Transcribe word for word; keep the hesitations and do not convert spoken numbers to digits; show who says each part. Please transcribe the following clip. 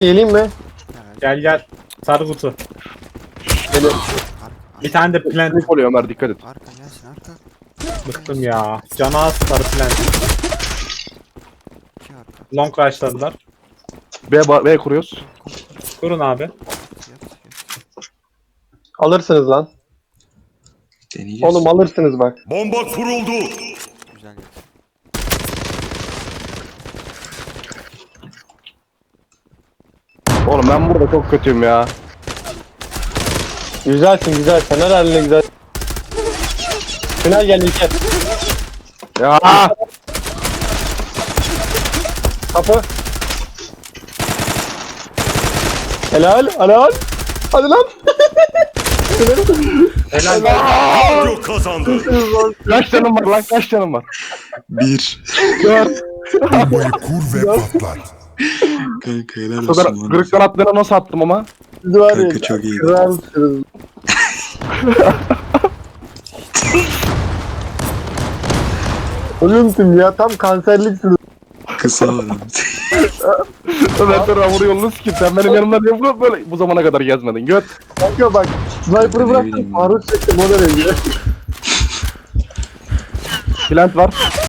Speaker 1: Geleyim mi?
Speaker 2: Gel gel. Sarı kutu.
Speaker 1: Gelin.
Speaker 3: Arka,
Speaker 2: Bir tane de plant.
Speaker 4: Panik oluyor Ömer, dikkat et.
Speaker 3: arka gelsin arka.
Speaker 2: Bıktım ya. Cana az sarı plant.
Speaker 3: İki arka.
Speaker 2: Long rushladılar.
Speaker 4: B, ba- B kuruyoruz.
Speaker 2: Durun abi.
Speaker 3: Yat yat.
Speaker 1: Alırsınız lan.
Speaker 5: Deneyeceğiz.
Speaker 1: Oğlum alırsınız bak.
Speaker 6: Bomba kuruldu.
Speaker 3: Güzel yat.
Speaker 4: Oğlum ben burada çok kötüyüm ya.
Speaker 1: Güzelsin güzel. Fener haline güzel. Final geldi İlker.
Speaker 4: Ya
Speaker 1: Kapı. Helal. Helal. Hadi lan.
Speaker 2: Helal.
Speaker 6: Radyo kazandı.
Speaker 4: kaç canım var lan, kaç canım var?
Speaker 5: Bir.
Speaker 4: Dört.
Speaker 7: Bombayı kur ve patlat.
Speaker 5: Kanka helal
Speaker 4: O kadar
Speaker 5: olsun bana.
Speaker 4: kırık kanatlarına nasıl attım ama?
Speaker 1: Siz var ya.
Speaker 5: Kanka çok iyi.
Speaker 1: Kralsınız. Ölümsün ya. Tam kanserliksiniz.
Speaker 5: Kısa var abi.
Speaker 4: Ömer dur hamur yolunu sikeyim. Sen benim yanımda niye bu- böyle bu zamana kadar gezmedin? Göt.
Speaker 1: Kanka bak. Sniper'ı
Speaker 5: Ne
Speaker 1: bıraktım.
Speaker 5: bileyim ben.
Speaker 1: Faruk çektim. O da rengi.
Speaker 4: Plant var.